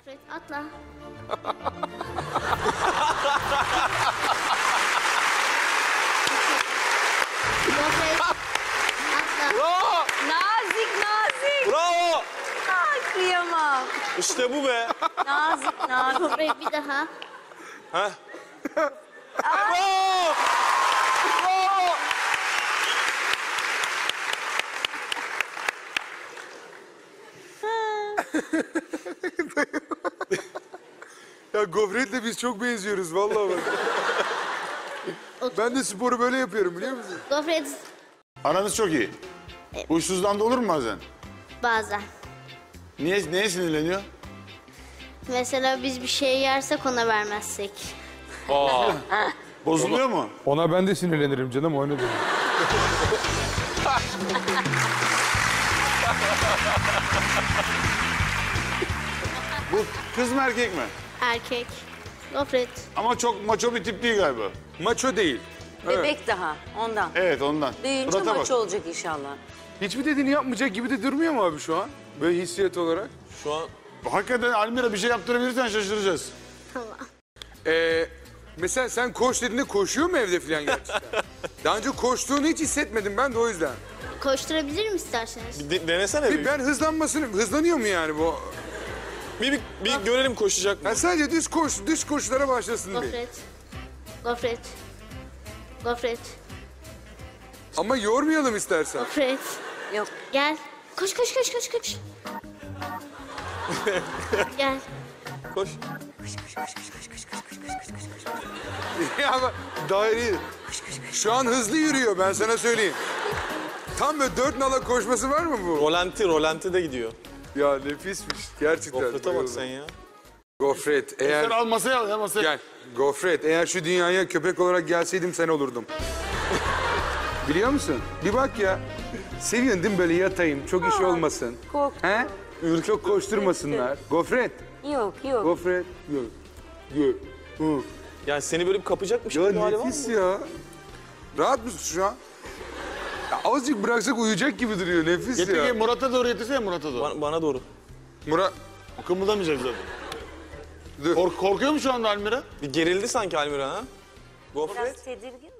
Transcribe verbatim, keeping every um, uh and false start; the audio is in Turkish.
Gofret atla. Gofret atla. Bravo! Nazik nazik. Bravo! Ay kıyamam. İşte bu be. Nazik nazik. Gofret bir daha. Ha? Bravo! Bravo! Ya gofretle biz çok benziyoruz vallahi bak. Ben de sporu böyle yapıyorum biliyor musun? Gofret Aranız çok iyi. Huysuzdan da olur mu bazen? bazen. Niye, neye sinirleniyor? Mesela biz bir şey yersek ona vermezsek. Bozuluyor mu? Ona ben de sinirlenirim canım, o ne demek? Bu kız mı erkek mi? Erkek. Gofret. Ama çok maço bir tip değil galiba. Maço değil. Bebek daha ondan. Evet ondan. Büyüyünce Surata bak. maço olacak inşallah. Hiçbir dediğini yapmayacak gibi de durmuyor mu abi şu an? Böyle hissiyat olarak. Şu an Hakikaten Almira bir şey yaptırabilirsen şaşıracağız. Tamam. Ee, mesela sen koş dediğinde koşuyor mu evde falan gerçekten? Daha önce koştuğunu hiç hissetmedim ben de o yüzden. Koşturabilirim isterseniz. de- denesene bir. Bir ben hızlanmasını, hızlanıyor mu yani bu? Bir, bir, bir görelim koşacak mı? Ben sadece düz koş, düz koşulara başlasın diye. Gofret. Gofret. Gofret. Ama yormayalım istersen. Gofret. Yok. Gel. Koş koş koş koş koş. Gel. Koş. Ya ama daire. Şu an hızlı yürüyor ben sana söyleyeyim. Tam böyle dört nala koşması var mı bu? Rolanti, rolanti de gidiyor. Ya nefismiş gerçekten. Gofrete bak bayıldım. sen ya. Gofret Sen eğer... al masaya al ya masaya. Gel. Gofret eğer şu dünyaya köpek olarak gelseydim sen olurdum. Biliyor musun? Bir bak ya. Seviyorsun değil mi böyle yatayım, çok iş olmasın. Korktum. He? Çok koşturmasınlar. Gofret. Yok yok. Gofret. Yok. Yok. Hı. Yani seni böyle bir kapacakmış Ya gibi hali var mı? nefis ya. Rahat mısın şu an? Ya azıcık bıraksak uyuyacak gibi duruyor. Nefis Getir ya. gel Murat'a doğru getirsene Murat'a doğru. Bana, bana doğru. Murat. Kımıldamayacak zaten. Dur. Kork korkuyor mu şu anda Almira? Bir gerildi sanki Almira ha? Gofret. Biraz tedirgin